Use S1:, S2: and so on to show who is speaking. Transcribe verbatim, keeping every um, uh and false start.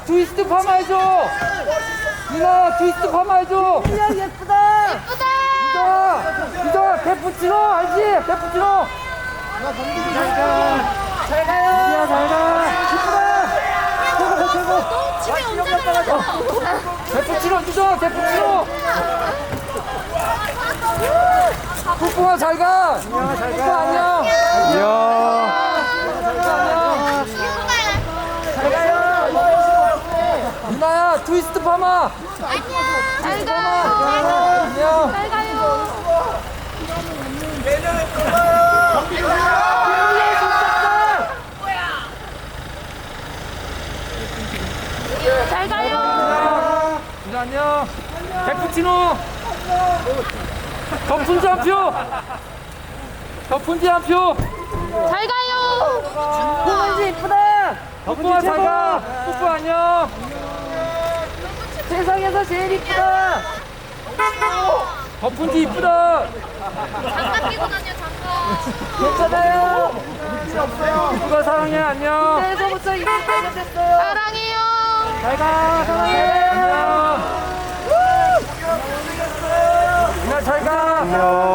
S1: 트위스트 파마 해줘. 유나야 트위스트 파마 해줘.
S2: 야 예쁘다.
S3: 예쁘다.
S1: 유나 유나 페푸치노 알지? 페푸치노.
S2: 잘 가요.
S1: 유리야 잘가. 이쁘다. 최고 최고.
S3: 너 집에 언제 가려고?
S1: 페푸치노 유나 페푸치노. 뽀뽀아 잘가. 뽀뽀 안녕.
S4: 이야.
S1: 안녕.
S2: 잘 가요.
S1: 유나야 트위스트 파마.
S3: 안녕. 잘 가.
S1: 안녕.
S3: 잘 가요. 잘 가요.
S1: 유나 안녕. 페푸치노. 덕분지 한 표. 덕분지 한 표.
S3: 잘 가요.
S2: 홍원지 이쁘다.
S1: 덕분아 잘가. 뽀뽀 안녕.
S2: 세상에서 제일 이쁘다.
S1: 덕분지 이쁘다.
S3: 장갑 끼고 다녀 장갑.
S2: 괜찮아요.
S1: 뽀뽀가 사랑해 안녕.
S2: 그때서부터 이쁜 때가 됐어요.
S3: 사랑해요.
S1: 잘가 사랑해 안녕. 유나 잘가.
S4: 안녕.